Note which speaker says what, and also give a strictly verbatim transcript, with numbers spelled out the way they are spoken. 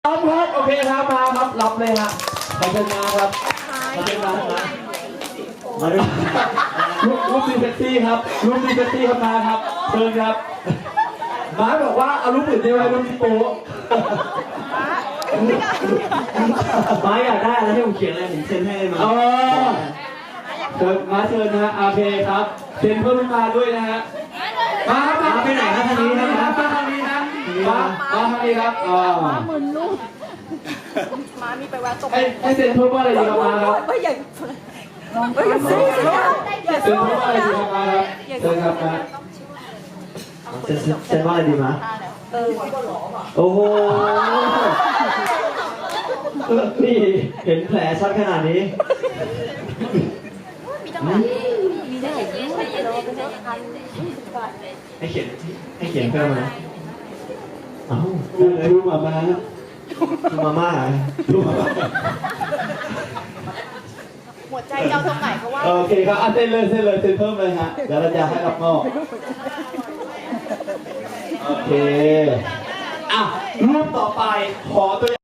Speaker 1: รับครับโอเคครับมาครับรับเลยฮะขอบคุณมาครับขอบคุณมาครับมาดูรูปรูปดีเซ็กซี่ครับรูปดีเซ็กซี่ครับมาครับเชิญครับมาบอกว่าเอารูปอื่นได้ไหมรูปที่โป๊ะ
Speaker 2: มาอยากได้อะไรให้ผมเขียนอะไรผมเซ็นให้เลยมา
Speaker 1: เออเชิญมาเชิญนะฮะโอเคครับเซ็นเพิ่มมาด้วยนะฮะมาครับมาไปไหนครับทางนี้นะครับมาทางนี้นะมามาทางนี้ครับอ๋อ
Speaker 3: หมื่นลูกมามีไปแวะตก
Speaker 1: ให้ให้เซ็นเพิ่มว่าอะไรดีครับมาครับ
Speaker 3: ไม่ใหญ่ไม่ใหญ่สิ
Speaker 1: เซ็นเพิ่มว่าอะไรดีครับมาครับเชิญครับมา
Speaker 2: เซ็นเซ็นว่าอะไรดีมา
Speaker 3: เออ
Speaker 2: โอ้โหนี่เห็นแผลชัดขนาดนี้
Speaker 3: มีจังหวะมีได้อย่างนี้ใช่ไหมเราเป็นพัน
Speaker 2: ให้เขียนให้เขียนเพิ่มนะเอ้า
Speaker 1: ดูดูมามา
Speaker 2: ดูมาม่าเหรอ
Speaker 1: ดูมามา
Speaker 3: หัวใจเจ้าตรงไหนเพราะว่า
Speaker 1: โอเคครับอ่ะเซ็นเลยเซ็นเลยเซ็นเพิ่มเลยฮะเดี๋ยวเราจะให้รับมอบโอเคอ่ะรูปต่อไปขอตัว